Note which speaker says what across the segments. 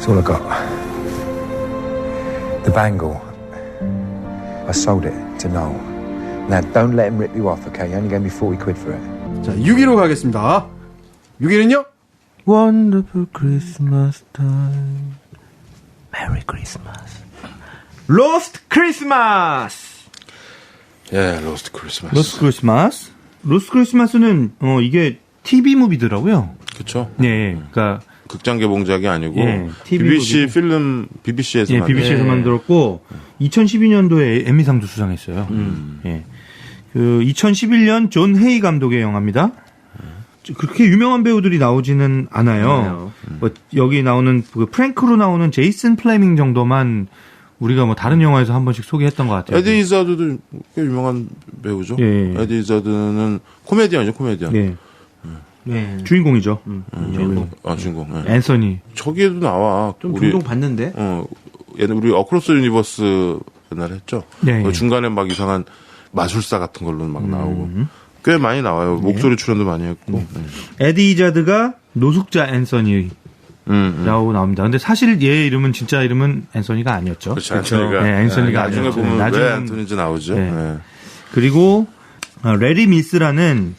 Speaker 1: That's all I got. The bangle. I sold it to Noel. Now don't let him rip you off, okay? He only gave me 40 quid for it.
Speaker 2: 자, 6위로 가겠습니다. 6위는요?
Speaker 3: Wonderful Christmas time. Merry Christmas.
Speaker 4: 로스트 크리스마스.
Speaker 2: 예, 로스트 크리스마스.
Speaker 3: 로스트 크리스마스. 로스트 크리스마스는 이게 TV 무비더라고요.
Speaker 2: 그쵸.
Speaker 3: 네, 그러니까
Speaker 2: 극장 개봉작이 아니고
Speaker 3: 예,
Speaker 2: BBC 필름 BBC에서
Speaker 3: 예, BBC에서 만들었고 2012년도에 에미상도 수상했어요. 예. 그 2011년 존 헤이 감독의 영화입니다. 그렇게 유명한 배우들이 나오지는 않아요. 뭐 여기 나오는 그 프랭크로 나오는 제이슨 플레밍 정도만 우리가 뭐 다른 영화에서 한 번씩 소개했던 것 같아요.
Speaker 2: 에디 이자드도 꽤 유명한 배우죠.
Speaker 3: 예.
Speaker 2: 에디 이자드는 코미디언이죠, 코미디언.
Speaker 3: 예.
Speaker 4: 네.
Speaker 3: 주인공이죠.
Speaker 4: 주인공.
Speaker 2: 주인공. 예.
Speaker 3: 앤서니.
Speaker 2: 저기에도 나와.
Speaker 4: 좀 종종 봤는데.
Speaker 2: 얘는 우리 어크로스 유니버스 옛날에 했죠.
Speaker 3: 네.
Speaker 2: 그 중간에 막 이상한 마술사 같은 걸로 막 나오고 꽤 많이 나와요. 목소리 출연도 많이 했고.
Speaker 3: 에디 이자드가 노숙자 앤서니라고 나옵니다. 근데 사실 얘 이름은 진짜 이름은 앤서니가 아니었죠.
Speaker 2: 그렇죠. 앤서니가.
Speaker 3: 네, 앤서니가
Speaker 2: 나중에
Speaker 3: 아니었죠.
Speaker 2: 보면
Speaker 3: 나중에
Speaker 2: 왜 앤서니인지 나오죠.
Speaker 3: 네.
Speaker 2: 네.
Speaker 3: 그리고 레리 미스라는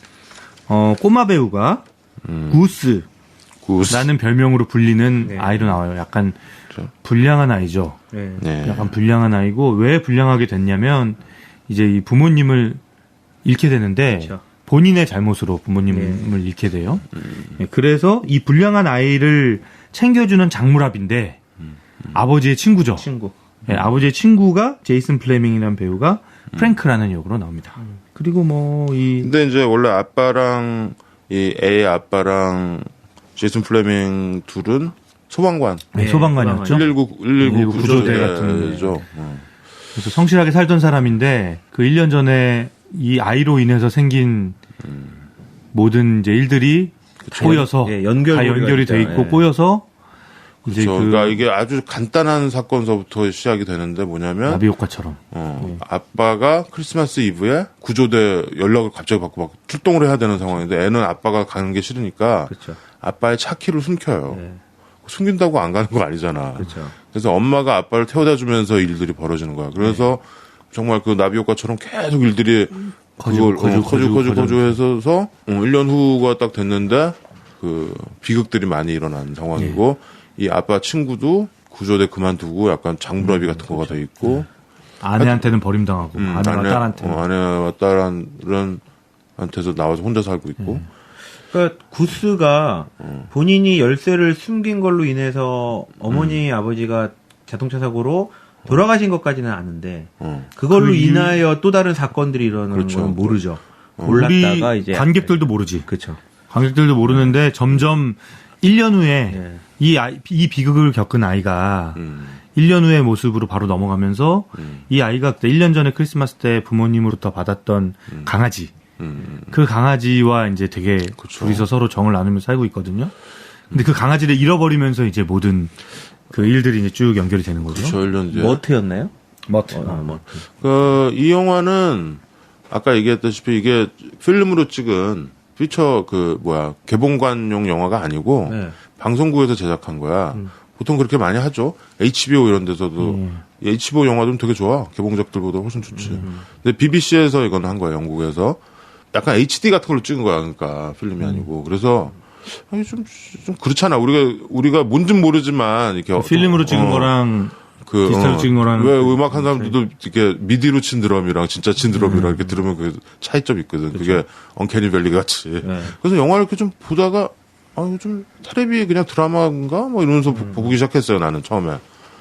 Speaker 3: 꼬마 배우가 구스라는
Speaker 2: 구스.
Speaker 3: 별명으로 불리는 아이로 나와요. 약간 불량한 아이죠.
Speaker 4: 네.
Speaker 2: 네.
Speaker 3: 약간 불량한 아이고 왜 불량하게 됐냐면 이제 이 부모님을 잃게 되는데
Speaker 4: 그렇죠.
Speaker 3: 본인의 잘못으로 부모님을 잃게 돼요. 네, 그래서 이 불량한 아이를 챙겨주는 장물합인데 아버지의 친구죠.
Speaker 4: 친구.
Speaker 3: 네, 아버지의 친구가 제이슨 플레밍이라는 배우가 프랭크라는 역으로 나옵니다. 그리고
Speaker 2: 근데 이제 원래 아빠랑 이 애의 아빠랑 제이슨 플레밍 둘은 소방관.
Speaker 3: 네, 소방관이었죠.
Speaker 2: 119
Speaker 3: 구조대 같은
Speaker 2: 구조대죠.
Speaker 3: 그래서 성실하게 살던 사람인데 그 1년 전에 이 아이로 인해서 생긴 모든 이제 일들이 꼬여서
Speaker 4: 예,
Speaker 3: 다 연결이 돼 있고
Speaker 4: 예.
Speaker 3: 꼬여서 이제
Speaker 2: 그러니까 이게 아주 간단한 사건서부터 시작이 되는데 뭐냐면
Speaker 3: 나비 효과처럼
Speaker 2: 아빠가 크리스마스 이브에 구조대 연락을 갑자기 받고 막 출동을 해야 되는 상황인데 애는 아빠가 가는 게 싫으니까
Speaker 4: 그렇죠.
Speaker 2: 아빠의 차 키를 숨겨요.
Speaker 4: 네.
Speaker 2: 숨긴다고 안 가는 거 아니잖아.
Speaker 4: 그렇죠.
Speaker 2: 그래서 엄마가 아빠를 태워다 주면서 일들이 벌어지는 거야. 그래서 정말 그 나비 효과처럼 계속 일들이 그걸 거주해서 1년 후가 딱 됐는데 그 비극들이 많이 일어난 상황이고 이 아빠 친구도 구조대 그만두고 약간 장물아비 같은 거가 돼 있고
Speaker 3: 아내한테는 버림당하고 아내와 딸한테는
Speaker 2: 아내와 딸한테서 나와서 혼자 살고 있고
Speaker 4: 그러니까 구스가 본인이 열쇠를 숨긴 걸로 인해서 어머니 아버지가 자동차 사고로 돌아가신 것까지는 아는데 그걸로
Speaker 3: 그
Speaker 4: 인하여 또 다른 사건들이 일어나는
Speaker 2: 그렇죠.
Speaker 4: 건 모르죠.
Speaker 3: 우리
Speaker 4: 몰랐다가 이제
Speaker 3: 관객들도 모르지.
Speaker 4: 그렇죠.
Speaker 3: 관객들도 모르는데 점점 1년 후에
Speaker 4: 예.
Speaker 3: 이 비극을 겪은 아이가 1년 후의 모습으로 바로 넘어가면서 이 아이가 1년 전에 크리스마스 때 부모님으로부터 받았던 강아지 그 강아지와 이제 되게 둘이서 서로 정을 나누면서 살고 있거든요. 근데 그 강아지를 잃어버리면서 이제 모든 그 일들이 이제 쭉 연결이 되는 거죠.
Speaker 2: 그렇죠. 1년 뒤에.
Speaker 4: 머트였나요?
Speaker 3: 머트.
Speaker 2: 그, 이 영화는 아까 얘기했다시피 이게 필름으로 찍은 피처 개봉관용 영화가 아니고
Speaker 4: 네.
Speaker 2: 방송국에서 제작한 거야. 보통 그렇게 많이 하죠. HBO 이런 데서도. HBO 영화들은 되게 좋아. 개봉작들보다 훨씬 좋지. 근데 BBC에서 이건 한 거야, 영국에서. 약간 HD 같은 걸로 찍은 거야, 그러니까. 필름이 아니고. 그래서, 아니, 좀 그렇잖아. 우리가 뭔진 모르지만, 이렇게.
Speaker 3: 필름으로 찍은 거랑 디지털로 찍은 거랑.
Speaker 2: 왜 음악 한 사람들도 이렇게 미디로 친 드럼이랑 진짜 친 드럼이랑 이렇게 들으면 그 차이점이 있거든. 그게 언캐니 밸리 같이.
Speaker 4: 네.
Speaker 2: 그래서 영화를 이렇게 좀 보다가, 요즘 테레비 그냥 드라마인가? 뭐 이러면서 보기 시작했어요, 나는 처음에.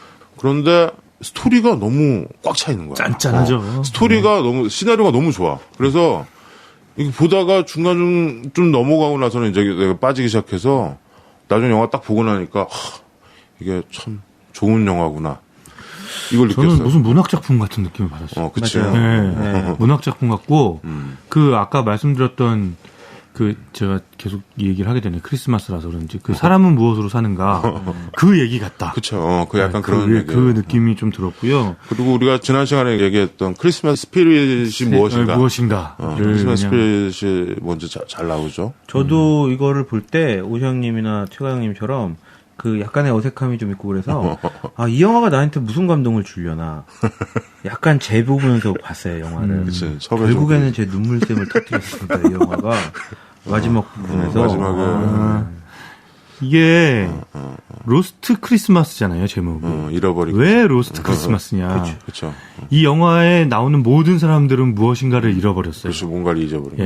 Speaker 2: 그런데 스토리가 너무 꽉 차 있는 거야.
Speaker 3: 짠짠하죠.
Speaker 2: 스토리가 시나리오가 너무 좋아. 그래서 이거 보다가 중간 좀 넘어가고 나서는 이제 내가 빠지기 시작해서 나중에 영화 딱 보고 나니까, 이게 참 좋은 영화구나. 이걸
Speaker 3: 저는
Speaker 2: 느꼈어요.
Speaker 3: 무슨 문학 작품 같은 느낌을 받았어요.
Speaker 2: 그치.
Speaker 3: 네. 문학 작품 같고 그 아까 말씀드렸던 그 제가 계속 이 얘기를 하게 되네. 크리스마스라서 그런지 그 사람은 무엇으로 사는가 그 얘기 같다.
Speaker 2: 그쵸. 그 약간 그런 얘기.
Speaker 3: 그 느낌이 좀 들었고요.
Speaker 2: 그리고 우리가 지난 시간에 얘기했던 크리스마스 스피릿이 무엇인가. 크리스마스 스피릿이 뭔지 잘 나오죠.
Speaker 4: 저도 이거를 볼 때 오시영님이나 최가영님처럼 그 약간의 어색함이 좀 있고 그래서 아, 이 영화가 나한테 무슨 감동을 주려나 약간 제 부분에서 봤어요 영화를.
Speaker 2: 그치, 처음에
Speaker 4: 결국에는 제 눈물샘을 터뜨렸습니다 이 영화가 마지막 부분에서.
Speaker 2: 마지막에
Speaker 3: 이게 로스트 크리스마스잖아요 제목이.
Speaker 2: 잃어버리고.
Speaker 3: 왜 로스트 크리스마스냐?
Speaker 2: 그렇죠.
Speaker 3: 이 영화에 나오는 모든 사람들은 무엇인가를 잃어버렸어요.
Speaker 2: 그렇죠. 뭔가를 잊어버리고.
Speaker 3: 예,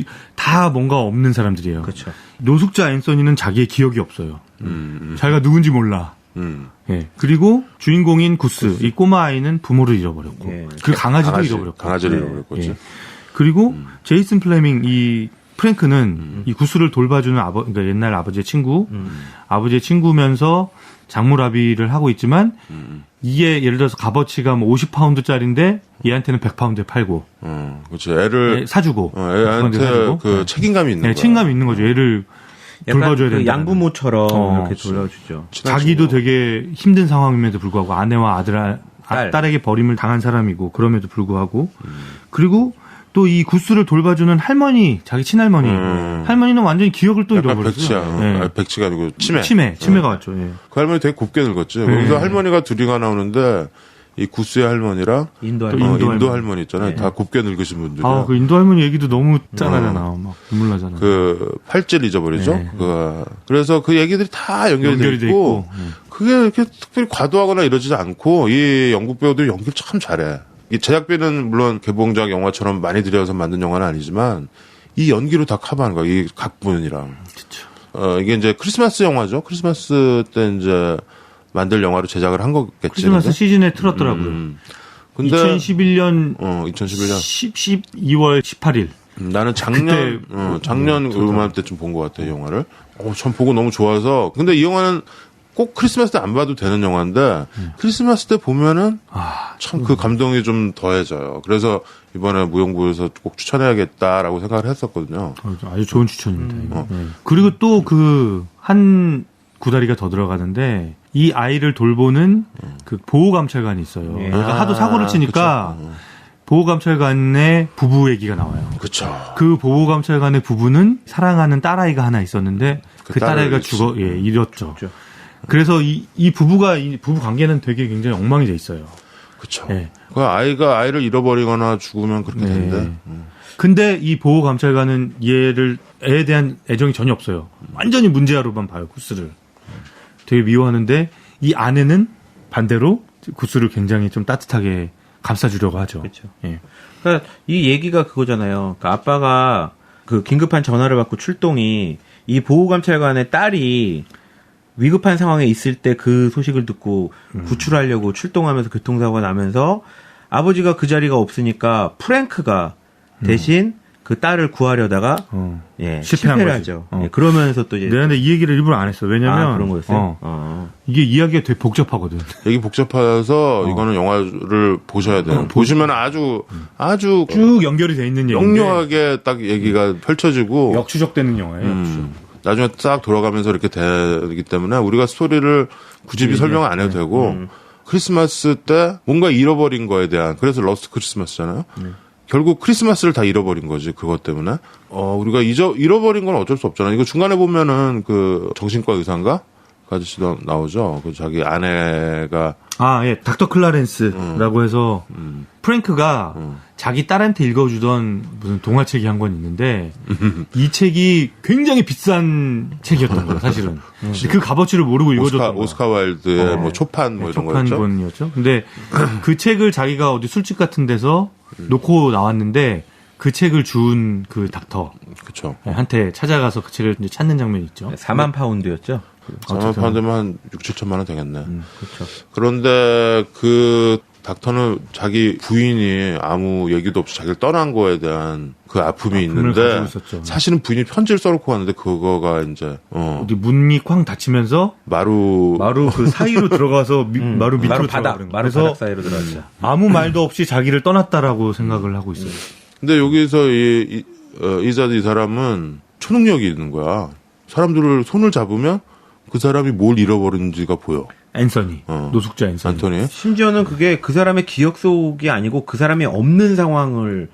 Speaker 3: 다 뭔가 없는 사람들이에요.
Speaker 4: 그렇죠.
Speaker 3: 노숙자 앤서니는 자기의 기억이 없어요. 자기가 누군지 몰라. 예. 그리고 주인공인 구스, 이 꼬마 아이는 부모를 잃어버렸고,
Speaker 4: 예.
Speaker 3: 그 강아지도 잃어버렸고.
Speaker 2: 강아지를
Speaker 4: 네.
Speaker 2: 잃어버렸고.
Speaker 3: 예. 그리고 제이슨 플레밍 이 프랭크는 이 구스를 돌봐주는 그러니까 옛날 아버지의 친구, 아버지의 친구면서 장물아비를 하고 있지만 이게 예를 들어서 값어치가 뭐 50파운드짜리인데 얘한테는 100파운드에 팔고,
Speaker 2: 그렇죠. 애를
Speaker 3: 사주고,
Speaker 2: 애한테
Speaker 3: 사주고.
Speaker 2: 그 책임감이 있는 거야.
Speaker 3: 책임감이 있는 거죠. 얘를
Speaker 4: 약간
Speaker 3: 돌봐줘야
Speaker 4: 그
Speaker 3: 된다.
Speaker 4: 양부모처럼 이렇게
Speaker 2: 그렇죠.
Speaker 4: 돌려주죠.
Speaker 3: 자기도 되게 힘든 상황임에도 불구하고 아내와 딸에게 버림을 당한 사람이고 그럼에도 불구하고 그리고 또 이 구스를 돌봐주는 할머니, 자기 친할머니, 할머니는 완전히 기억을 또
Speaker 2: 약간
Speaker 3: 잃어버렸어요.
Speaker 2: 백치야.
Speaker 3: 예.
Speaker 2: 아니, 백치가 아니고 치매.
Speaker 3: 치매가 왔죠. 예.
Speaker 2: 그 할머니 되게 곱게 늙었지. 거기서 할머니가 둘이가 나오는데 이 구스의 할머니랑
Speaker 4: 인도
Speaker 3: 또
Speaker 4: 할머니.
Speaker 2: 인도 할머니 있잖아요.
Speaker 4: 네.
Speaker 2: 다 곱게 늙으신 분들이야.
Speaker 3: 아, 그 인도 할머니 얘기도 너무 짠하잖아. 막 눈물 나잖아.
Speaker 2: 그 팔찌를 잊어버리죠.
Speaker 3: 네.
Speaker 2: 그래서 그 얘기들이 다 연결이 돼
Speaker 3: 돼
Speaker 2: 있고,
Speaker 3: 있고.
Speaker 2: 그게 이렇게 특별히 과도하거나 이러지도 않고 이 영국 배우들이 연기를 참 잘해. 이 제작비는 물론 개봉작 영화처럼 많이 들여서 만든 영화는 아니지만 이 연기로 다 커버하는 거야. 이 각본이랑.
Speaker 3: 그쵸.
Speaker 2: 이게 이제 크리스마스 영화죠. 크리스마스 때 이제 만들 영화로 제작을 한 거겠지.
Speaker 3: 크리스마스
Speaker 2: 근데?
Speaker 3: 시즌에 틀었더라고요.
Speaker 2: 근데
Speaker 3: 2011년
Speaker 2: 2011년
Speaker 3: 12월 18일.
Speaker 2: 나는 작년 그맘때쯤 본 것 같아, 이 영화를. 전 보고 너무 좋아서. 근데 이 영화는 꼭 크리스마스 때 안 봐도 되는 영화인데, 크리스마스 때 보면은, 참 그 감동이 좀 더해져요. 그래서 이번에 무용부에서 꼭 추천해야겠다라고 생각을 했었거든요.
Speaker 3: 아주 좋은 추천입니다. 이거. 네. 그리고 또 그 한 구다리가 더 들어가는데, 이 아이를 돌보는 그 보호감찰관이 있어요.
Speaker 4: 예.
Speaker 3: 그러니까 하도 사고를 치니까, 보호감찰관의 부부 얘기가 나와요.
Speaker 2: 그쵸.
Speaker 3: 그 보호감찰관의 부부는 사랑하는 딸아이가 하나 있었는데 그 딸아이가 잃었죠.
Speaker 4: 그렇죠.
Speaker 3: 그래서 이 부부가 이 부부 관계는 되게 굉장히 엉망이 돼 있어요.
Speaker 2: 그쵸.
Speaker 3: 예.
Speaker 2: 그 아이를 잃어버리거나 죽으면 그렇게
Speaker 3: 네.
Speaker 2: 되는데.
Speaker 3: 근데 이 보호감찰관은 애에 대한 애정이 전혀 없어요. 완전히 문제아로만 봐요, 구스를. 되게 미워하는데 이 아내는 반대로 구스를 굉장히 좀 따뜻하게 감싸주려고 하죠.
Speaker 4: 그렇죠.
Speaker 3: 예.
Speaker 4: 그러니까 이 얘기가 그거잖아요. 그러니까 아빠가 그 긴급한 전화를 받고 출동이 이 보호감찰관의 딸이 위급한 상황에 있을 때 그 소식을 듣고 구출하려고 출동하면서 교통사고가 나면서 아버지가 그 자리가 없으니까 프랭크가 대신 그 딸을 구하려다가
Speaker 3: 실패한
Speaker 4: 실패를
Speaker 3: 거지.
Speaker 4: 하죠. 예, 그러면서 또 이제
Speaker 3: 내가 근데 이 얘기를 일부러 안 했어. 왜냐면
Speaker 4: 그런 거였어요.
Speaker 3: 이게 이야기가 되게 복잡하거든.
Speaker 2: 얘기 복잡해서 이거는 영화를 보셔야 돼요. 보시면 아주
Speaker 3: 쭉 연결이 돼 있는 얘기인데
Speaker 2: 명료하게 딱 얘기가 펼쳐지고
Speaker 3: 역추적되는 영화예요. 역추적.
Speaker 2: 나중에 싹 돌아가면서 이렇게 되기 때문에 우리가 스토리를 굳이 설명 안 해도 되고 크리스마스 때 뭔가 잃어버린 거에 대한 그래서 러스트 크리스마스잖아요. 결국 크리스마스를 다 잃어버린 거지 그것 때문에. 우리가 잃어버린 건 어쩔 수 없잖아. 이거 중간에 보면은 그 정신과 의사인가? 그 아저씨도 나오죠. 그 자기 아내가
Speaker 3: 닥터 클라렌스라고 해서 프랭크가 자기 딸한테 읽어주던 무슨 동화책이 한 권 있는데 이 책이 굉장히 비싼 책이었던 거예요, 사실은. 그 값어치를 모르고 읽어줬던 거예요.
Speaker 2: 오스카 와일드의 뭐 초판 뭐 이런 거였죠.
Speaker 3: 초판본이었죠. 근데 그 책을 자기가 어디 술집 같은 데서 놓고 나왔는데 그 책을 준 그 닥터
Speaker 2: 그렇죠.
Speaker 3: 한테 찾아가서 그 책을 이제 찾는 장면이 있죠.
Speaker 4: 4만 파운드였죠.
Speaker 2: 4만 파운드면 한 6, 7천만 원 되겠네.
Speaker 4: 그렇죠.
Speaker 2: 그런데 그 닥터는 자기 부인이 아무 얘기도 없이 자기를 떠난 거에 대한 그 아픔이 있는데
Speaker 3: 가지고 있었죠.
Speaker 2: 사실은 부인이 편지를 써놓고 왔는데 그거가 이제
Speaker 3: 어디 문이 쾅 닫히면서
Speaker 2: 마루
Speaker 3: 그 사이로 들어가서 마루 밑으로
Speaker 4: 마루 바닥,
Speaker 3: 들어가버린 거예요.
Speaker 4: 마루
Speaker 3: 그래서
Speaker 4: 바닥 사이로 들어갔죠.
Speaker 3: 아무 말도 없이 자기를 떠났다라고 생각을 하고 있어요.
Speaker 2: 근데 여기서 이 사람은 초능력이 있는 거야. 사람들을 손을 잡으면 그 사람이 뭘 잃어버린지가 보여.
Speaker 3: 앤서니, 노숙자 앤서니.
Speaker 2: 안토니.
Speaker 4: 심지어는 그게 그 사람의 기억 속이 아니고 그 사람이 없는 상황을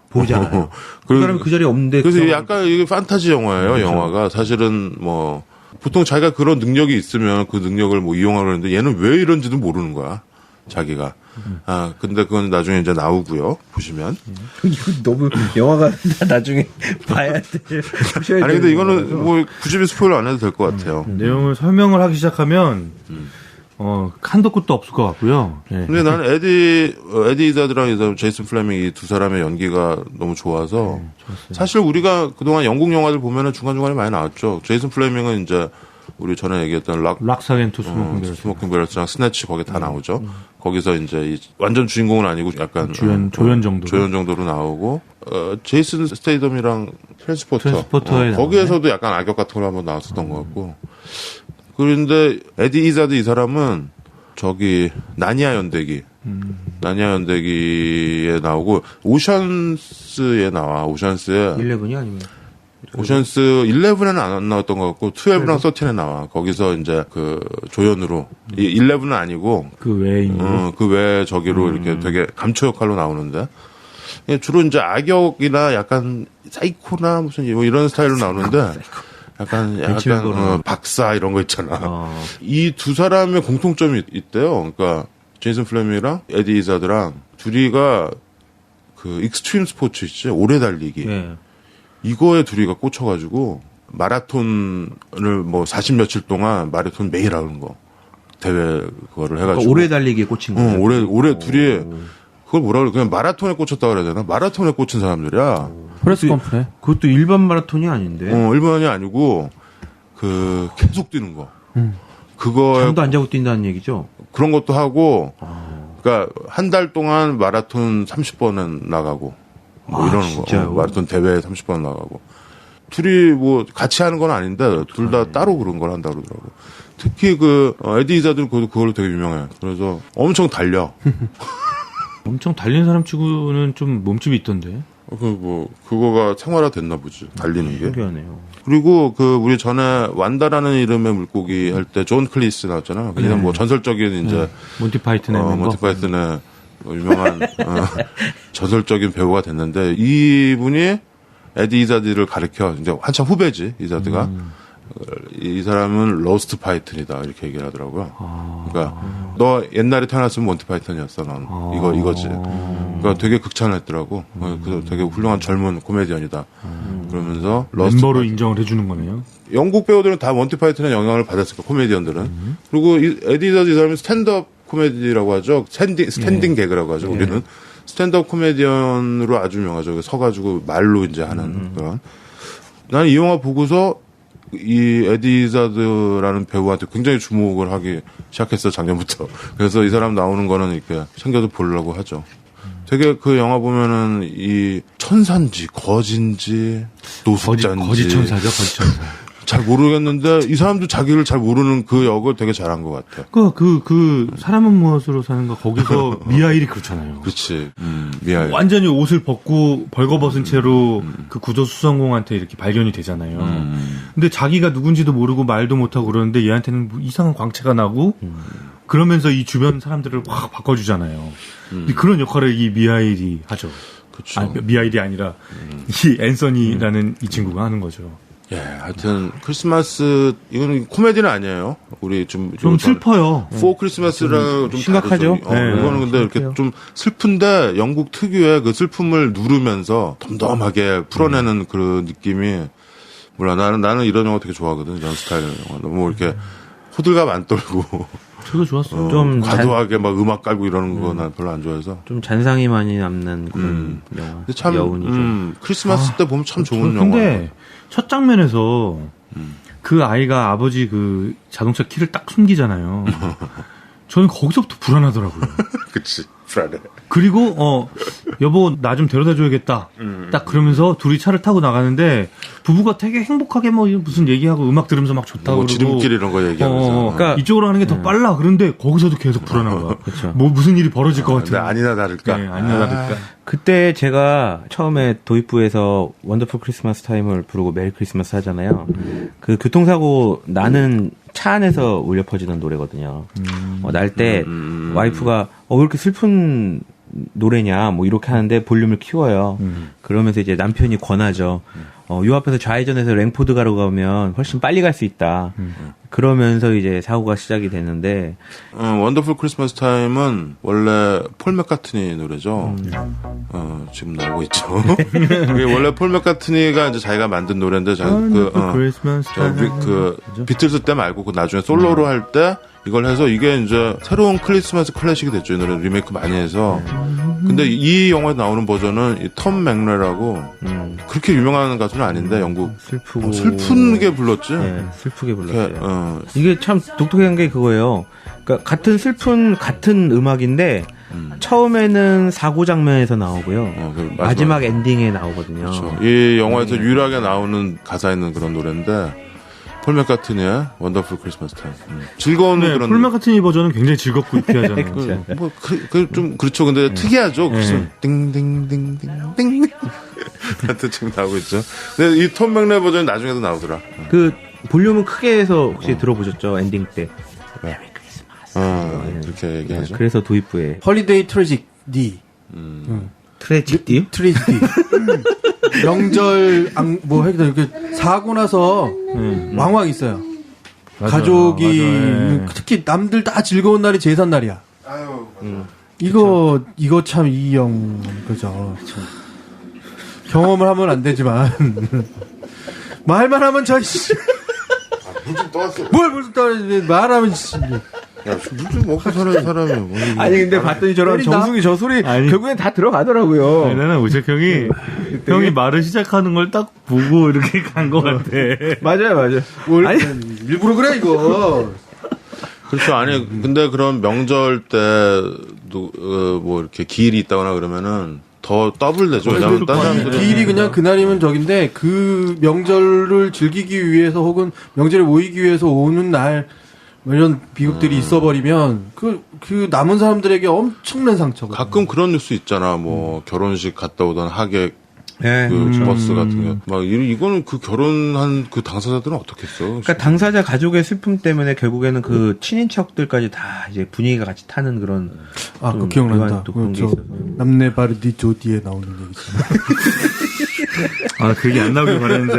Speaker 4: 보잖아요. 그 사람이 그 자리에 없는데
Speaker 2: 그래서
Speaker 4: 그
Speaker 2: 약간 이게 판타지 영화예요. 영화가 사실은 뭐 보통 자기가 그런 능력이 있으면 그 능력을 뭐 이용하려 하는데 얘는 왜 이런지도 모르는 거야. 자기가. 근데 그건 나중에 이제 나오고요. 보시면.
Speaker 4: 이거 너무 영화가 나중에 봐야 돼.
Speaker 2: 아니 근데 이거는 뭐 굳이 스포일러 안 해도 될 것 같아요.
Speaker 3: 내용을 설명을 하기 시작하면 한도 끝도 없을 것 같고요. 네.
Speaker 2: 근데 나는 에디 이자드랑 제이슨 플레밍 이 두 사람의 연기가 너무 좋아서 사실 우리가 그동안 영국 영화들 보면은 중간중간에 많이 나왔죠. 제이슨 플레밍은 이제 우리 전에 얘기했던
Speaker 3: 락사겐 투 스모킹
Speaker 2: 베럴스랑 스네치 거기 다 나오죠. 거기서 이제 완전 주인공은 아니고 약간
Speaker 3: 조연 정도로
Speaker 2: 나오고 제이슨 스테이덤이랑
Speaker 3: 트랜스포터에
Speaker 2: 거기에서도 약간 악역 같은 걸 한번 나왔었던 것 같고. 그런데 에디 이자드 이 사람은 저기 나니아 연대기에 나오고 오션스에 나와. 오션스에
Speaker 4: 11이 아니면
Speaker 2: 오션스 11에는 안 나왔던 것 같고 12랑 13에 나와. 거기서 이제 그 조연으로 11은 아니고
Speaker 3: 그 외인
Speaker 2: 그 외 저기로 이렇게 되게 감초 역할로 나오는데 주로 이제 악역이나 약간 사이코나 무슨 뭐 이런 스타일로 나오는데 약간 박사 이런 거 있잖아. 이 두 사람의 공통점이 있대요. 그러니까 제이슨 플레밍이랑 에디 이자드랑 둘이가 그 익스트림 스포츠 있지, 오래 달리기.
Speaker 4: 네.
Speaker 2: 이거에 둘이가 꽂혀가지고 마라톤을 뭐 40 며칠 동안 마라톤 매일 하는 거 대회 그거를 해가지고
Speaker 4: 그러니까 오래 달리기에 꽂힌 거예요.
Speaker 2: 오래 둘이 그걸 뭐라 그래? 그냥 마라톤에 꽂혔다 그래야 되나? 마라톤에 꽂힌 사람들이야.
Speaker 3: 프레스 컴프네.
Speaker 4: 그것도 일반 마라톤이 아닌데.
Speaker 2: 일반이 아니고 그 계속 뛰는 거. 그거에
Speaker 4: 잠도 안 자고 뛴다는 얘기죠.
Speaker 2: 그런 것도 하고, 그러니까 한 달 동안 마라톤 30번은 나가고, 뭐 이러는
Speaker 4: 진짜요?
Speaker 2: 거. 마라톤 대회에 30번 나가고. 둘이 뭐 같이 하는 건 아닌데 둘 다 따로 그런 걸 한다 그러더라고. 특히 그 에디 이자드는 그걸로 되게 유명해. 그래서 엄청 달려.
Speaker 3: 엄청 달리는 사람 치고는 좀 몸집이 있던데.
Speaker 2: 그거가 생활화 됐나 보지. 달리는 게.
Speaker 4: 신기하네요.
Speaker 2: 그리고 우리 전에 완다라는 이름의 물고기 할 때 존 클리스 나왔잖아. 그냥 뭐 전설적인 이제
Speaker 3: 몬티 파이튼의
Speaker 2: 몬티 파이튼의 유명한 전설적인 배우가 됐는데 이분이 에디 이자드를 가르쳐. 이제 한참 후배지, 이자드가. 이 사람은 로스트 파이튼이다 이렇게 얘기를 하더라고요. 그러니까 너 옛날에 태어났으면 몬티 파이튼이었어, 넌. 이거지. 그러니까 되게 극찬을 했더라고. 그래서 되게 훌륭한 젊은 코미디언이다. 그러면서
Speaker 3: 멤버로 인정을 해주는 거네요.
Speaker 2: 영국 배우들은 다 몬티 파이튼의 영향을 받았을 거야, 코미디언들은. 그리고 에디 이자드 이 사람이 스탠드업 코미디라고 하죠. 스탠딩 개그라고 하죠. 우리는 스탠드업 코미디언으로 아주 유명하죠. 서가지고 말로 이제 하는 그런. 나는 이 영화 보고서 이 에디 이자드라는 배우한테 굉장히 주목을 하기 시작했어, 작년부터. 그래서 이 사람 나오는 거는 이렇게 챙겨서 보려고 하죠. 되게 그 영화 보면은 이 천사인지 거진지 노숙자인지
Speaker 3: 거짓 천사죠, 거짓 천사.
Speaker 2: 잘 모르겠는데 이 사람도 자기를 잘 모르는 그 역을 되게 잘한 것 같아.
Speaker 3: 그 사람은 무엇으로 사는가 거기서 미하일이 그렇잖아요.
Speaker 2: 그렇지. 미하일.
Speaker 3: 완전히 옷을 벗고 벌거벗은 채로 그 구조수성공한테 이렇게 발견이 되잖아요. 근데 자기가 누군지도 모르고 말도 못하고 그러는데 얘한테는 뭐 이상한 광채가 나고 그러면서 이 주변 사람들을 확 바꿔주잖아요. 그런 역할을 이 미하일이 하죠.
Speaker 2: 그렇죠.
Speaker 3: 아니, 미하일이 아니라 이 앤서니라는 이 친구가 하는 거죠.
Speaker 2: 예, 하여튼 크리스마스 이거는 코미디는 아니에요. 우리 좀
Speaker 3: 슬퍼요.
Speaker 2: 포 크리스마스랑 좀
Speaker 4: 심각하죠.
Speaker 2: 다르죠. 이거는 근데 이렇게 좀 슬픈데 영국 특유의 그 슬픔을 누르면서 덤덤하게 풀어내는 그런 느낌이 몰라. 나는 이런 영화 되게 좋아하거든. 이런 스타일의 영화. 너무 이렇게 호들갑 안 떨고.
Speaker 3: 저도 좋았어요.
Speaker 4: 좀
Speaker 2: 과도하게 막 음악 깔고 이러는 거 난 별로 안 좋아해서.
Speaker 4: 좀 잔상이 많이 남는 그런 영화.
Speaker 2: 근데 참
Speaker 4: 여운이죠.
Speaker 2: 크리스마스 때 보면 참 좋은 영화.
Speaker 3: 근데 첫 장면에서 그 아이가 아버지 그 자동차 키를 딱 숨기잖아요. 저는 거기서부터 불안하더라고요.
Speaker 2: 그치. 불안해.
Speaker 3: 그리고 여보 나 좀 데려다 줘야겠다. 딱 그러면서 둘이 차를 타고 나가는데 부부가 되게 행복하게 뭐 무슨 얘기하고 음악 들으면서 막 좋다고
Speaker 2: 뭐
Speaker 3: 그러고
Speaker 2: 지름길 이런 거 얘기하면서.
Speaker 3: 그러니까 이쪽으로 하는 게 더 빨라. 그런데 거기서도 계속 불안한 거야.
Speaker 4: 그렇죠.
Speaker 3: 뭐 무슨 일이 벌어질 것 같은.
Speaker 2: 근데 아니나 다를까.
Speaker 3: 네, 아니나 다를까.
Speaker 4: 그때 제가 처음에 도입부에서 원더풀 크리스마스 타임을 부르고 메리 크리스마스 하잖아요. 그 교통사고 나는 차 안에서 울려 퍼지는 노래거든요. 날 때 와이프가 왜 이렇게 슬픈 노래냐 뭐 이렇게 하는데 볼륨을 키워요. 그러면서 이제 남편이 권하죠. 요 앞에서 좌회전해서 랭포드가로 가면 훨씬 빨리 갈 수 있다. 그러면서 이제 사고가 시작이 됐는데
Speaker 2: 원더풀 크리스마스 타임은 원래 폴 맥카트니 노래죠. 지금 나오고 있죠. 그게 원래 폴 맥카트니가 이제 자기가 만든 노래인데 그 비틀스 때 말고 그 나중에 솔로로 할 때 이걸 해서 이게 이제 새로운 크리스마스 클래식이 됐죠. 이 노래 리메이크 많이 해서. 근데 이 영화에 나오는 버전은 이 톰 맥레라고 그렇게 유명한 가수는 아닌데 영국
Speaker 4: 슬프고
Speaker 2: 슬픈게 불렀지.
Speaker 4: 네, 슬프게 불렀어요. 이게 참 독특한 게 그거예요. 그러니까 같은 음악인데 처음에는 사고 장면에서 나오고요. 마지막 엔딩에 나오거든요.
Speaker 2: 그렇죠. 이 영화에서 유일하게 나오는 가사 있는 그런 노래인데 폴 맥카트니의 원더풀 크리스마스 타임. 즐거운 그런.
Speaker 3: 폴 맥카트니 버전은 굉장히 즐겁고 유쾌하잖아요.
Speaker 2: 좀 그렇죠. 근데 특이하죠. 그래서 띵띵띵띵띵. 하여튼 지금 나오고 있죠. 근데 이 톰 맥레 버전이 나중에도 나오더라.
Speaker 4: 그 볼륨은 크게 해서 혹시 들어보셨죠? 엔딩 때. 메리 크리스마스.
Speaker 2: 이렇게 얘기하죠.
Speaker 4: 그래서 도입부에
Speaker 5: 헐리데이 트래지디.
Speaker 4: 트래지디?
Speaker 5: 트래지디. 명절 뭐 하여튼 이렇게 사고 나서 왕왕 있어요.
Speaker 3: 맞아,
Speaker 5: 가족이
Speaker 3: 맞아,
Speaker 5: 특히 남들 다 즐거운 날이 제산 날이야.
Speaker 2: 아유,
Speaker 5: 이거 참 이영 그죠. 경험을 하면 안 되지만 말만 하면 저
Speaker 2: 물좀 떠왔어.
Speaker 5: 뭘 떠 말하면
Speaker 2: 야, 물 좀 먹고 사는 사람이 뭐.
Speaker 4: 아니 근데 봤더니 저런
Speaker 5: 때린다?
Speaker 4: 정승이 저 소리
Speaker 3: 아니.
Speaker 4: 결국엔 다 들어가더라고요.
Speaker 3: 아니, 나는 우석 형이 말을 시작하는 걸 딱 보고 이렇게 간 것 같아.
Speaker 4: 맞아요.
Speaker 5: 뭘
Speaker 4: 아니.
Speaker 5: 일부러 그래 이거.
Speaker 2: 그렇죠. 아니, 근데 그런 명절 때도, 뭐, 이렇게 기일이 있다거나 그러면은 더 더블 되죠. 왜냐면 딴 사람들은.
Speaker 5: 기일이 그냥 그날이면 적인데 그 명절을 즐기기 위해서 혹은 명절에 모이기 위해서 오는 날 이런 비극들이 있어버리면 그 남은 사람들에게 엄청난 상처가.
Speaker 2: 가끔 그런 뉴스 있잖아. 뭐, 결혼식 갔다 오던 하객,
Speaker 4: 네.
Speaker 2: 버스 같은 게. 막, 이거는 그 결혼한 그 당사자들은 어떻겠어?
Speaker 4: 그러니까 당사자 가족의 슬픔 때문에 결국에는 그 친인척들까지 다 이제 분위기가 같이 타는 그런.
Speaker 5: 그 기억난다.
Speaker 4: 또 그런 게
Speaker 5: 저
Speaker 4: 있어서.
Speaker 5: 남네 바르디 조디에 나오는 얘기잖아.
Speaker 3: 그 얘기 안 나오길 바랬는데,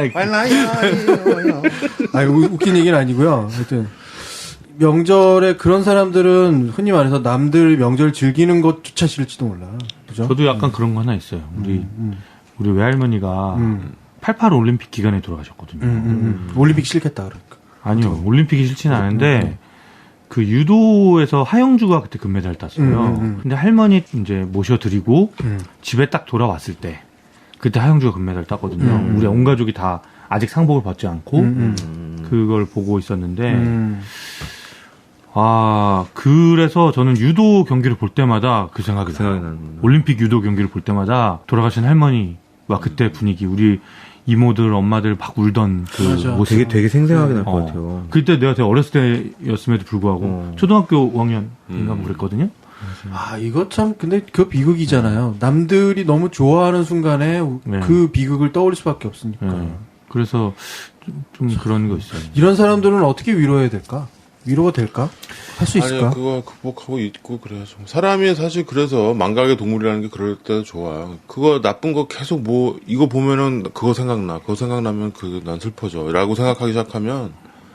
Speaker 5: 웃긴 얘기는 아니고요. 하여튼 명절에 그런 사람들은 흔히 말해서 남들 명절 즐기는 것조차 싫을지도 몰라. 그죠?
Speaker 3: 저도 약간 그런 거 하나 있어요. 우리 외할머니가 88 올림픽 기간에 돌아가셨거든요.
Speaker 5: 올림픽 싫겠다 그러니까.
Speaker 3: 아니요, 올림픽이 싫지는 않은데, 그 유도에서 하영주가 그때 금메달 땄어요. 근데 할머니 이제 모셔드리고 집에 딱 돌아왔을 때, 그때 하영주가 금메달 땄거든요. 우리 온 가족이 다 아직 상복을 받지 않고, 그걸 보고 있었는데, 그래서 저는 유도 경기를 볼 때마다 그 생각이 나요. 올림픽 유도 경기를 볼 때마다 돌아가신 할머니와 그때 분위기, 우리 이모들, 엄마들 막 울던 그 모습.
Speaker 4: 되게 생생하게 날 것 같아요.
Speaker 3: 그때 내가 되게 어렸을 때였음에도 불구하고 초등학교 5학년인가 그랬거든요.
Speaker 5: 이거 참 근데 그 비극이잖아요. 남들이 너무 좋아하는 순간에 그 비극을 떠올릴 수밖에 없으니까.
Speaker 3: 그래서 좀 그런 거 있어요.
Speaker 5: 이런 사람들은 어떻게 위로해야 될까? 위로가 될까? 할 수 있을까?
Speaker 2: 아니, 그거 극복하고 있고 그래야죠. 사람이 사실 그래서 망각의 동물이라는 게 그럴 때도 좋아. 그거 나쁜 거 계속 뭐 이거 보면은 그거 생각나면 난 슬퍼져. 라고 생각하기 시작하면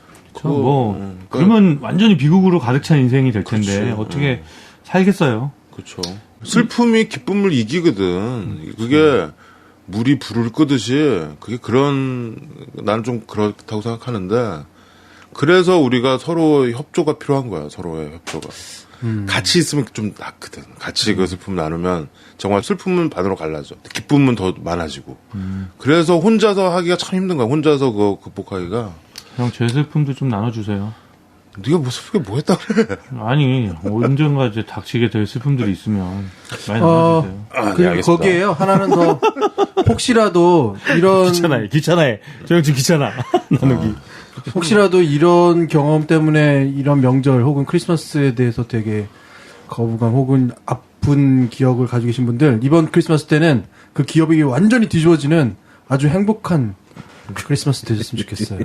Speaker 3: 그러면 완전히 비극으로 가득 찬 인생이 될 텐데 어떻게 살겠어요?
Speaker 2: 그렇죠. 슬픔이 기쁨을 이기거든. 그게 물이 불을 끄듯이 그게 나는 좀 그렇다고 생각하는데 그래서 우리가 서로 협조가 필요한 거야. 서로의 협조가. 같이 있으면 좀 낫거든. 같이 그 슬픔을 나누면 정말 슬픔은 반으로 갈라져. 기쁨은 더 많아지고. 그래서 혼자서 하기가 참 힘든 거야. 혼자서 그거 극복하기가.
Speaker 3: 형, 제 슬픔도 좀 나눠주세요.
Speaker 2: 네가 뭐 슬프게 뭐 했다 그래.
Speaker 3: 아니, 언젠가 이제 닥치게 될 슬픔들이 있으면 많이 나눠주세요.
Speaker 5: 그리고 거기에요. 하나는 더 혹시라도 이런
Speaker 3: 귀찮아해. 저 형 지금 귀찮아. 나누기.
Speaker 5: 혹시라도 이런 경험 때문에 이런 명절 혹은 크리스마스에 대해서 되게 거부감 혹은 아픈 기억을 가지고 계신 분들 이번 크리스마스 때는 그 기억이 완전히 뒤집어지는 아주 행복한 크리스마스 되셨으면 좋겠어요.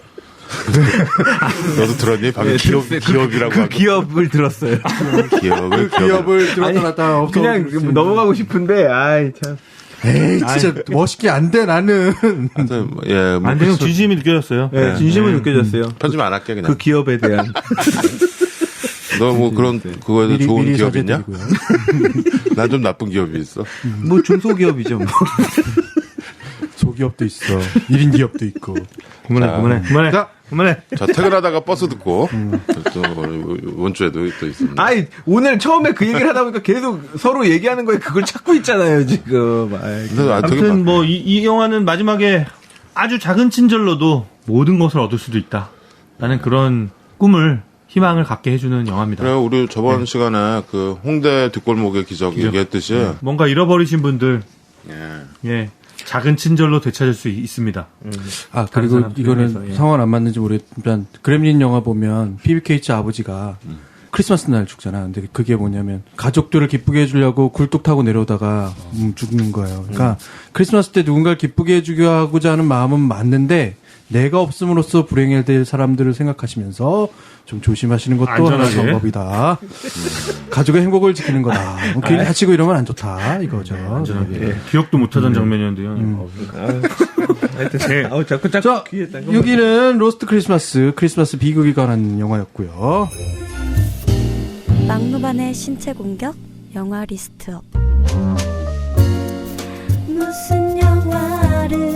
Speaker 2: 너도 들었니? 방금 기업이라고 하고.
Speaker 4: 기업을 들었어요.
Speaker 2: 기업을
Speaker 5: 들었다 놨다
Speaker 4: 그냥 넘어가고 싶은데 참.
Speaker 5: 에이, 진짜 멋있게 안 돼, 나는.
Speaker 2: 하여튼 예, 뭐
Speaker 3: 안 되면 진심이 느껴졌어요.
Speaker 4: 네, 진심은 느껴졌어요.
Speaker 2: 편집 안 할게 그냥.
Speaker 4: 그 기업에 대한.
Speaker 2: 너 뭐 그런 그거에 대해 좋은 기업 있냐? 난 좀 나쁜 기업이 있어.
Speaker 4: 뭐 중소기업이죠. 뭐.
Speaker 5: 소기업도 있어. 1인 기업도 있고.
Speaker 3: 그만해.
Speaker 5: 자,
Speaker 3: 그만해.
Speaker 2: 자, 퇴근하다가 버스 듣고 또 이번 주에도 또 있습니다.
Speaker 4: 아이, 오늘 처음에 그 얘기를 하다 보니까 계속 서로 얘기하는 거에 그걸 찾고 있잖아요, 지금. 아이,
Speaker 2: 근데
Speaker 3: 아무튼 뭐 이 영화는 마지막에 아주 작은 친절로도 모든 것을 얻을 수도 있다. 라는 그런 꿈을 희망을 갖게 해주는 영화입니다.
Speaker 2: 그래요. 우리 저번 시간에 그 홍대 뒷골목의 기적 얘기했듯이
Speaker 3: 뭔가 잃어버리신 분들
Speaker 2: 예.
Speaker 3: 예 작은 친절로 되찾을 수 있습니다.
Speaker 5: 아,
Speaker 3: 다른
Speaker 5: 그리고
Speaker 3: 사람들
Speaker 5: 이거는
Speaker 3: 중에서, 예.
Speaker 5: 상황 안 맞는지 모르겠지만, 그렘린 영화 보면, PBKH 아버지가 크리스마스 날 죽잖아. 근데 그게 뭐냐면, 가족들을 기쁘게 해주려고 굴뚝 타고 내려오다가, 죽는 거예요. 그러니까, 크리스마스 때 누군가를 기쁘게 해주고자 하는 마음은 맞는데, 내가 없음으로써 불행해질 사람들을 생각하시면서 좀 조심하시는 것도 하나의
Speaker 3: 안전하게.
Speaker 5: 방법이다. 가족의 행복을 지키는 거다. 뭐 괜히 다치고 이러면 안 좋다. 이거죠.
Speaker 3: 안전하게. 기억도 못하던 장면이었는데요.
Speaker 4: 하여튼, 자꾸
Speaker 5: 자,
Speaker 4: 귀에 딴 거.
Speaker 5: 여기는 로스트 크리스마스 비극이 관한 영화였고요.
Speaker 6: 막루반의 신체 공격 영화 리스트업. 무슨 영화를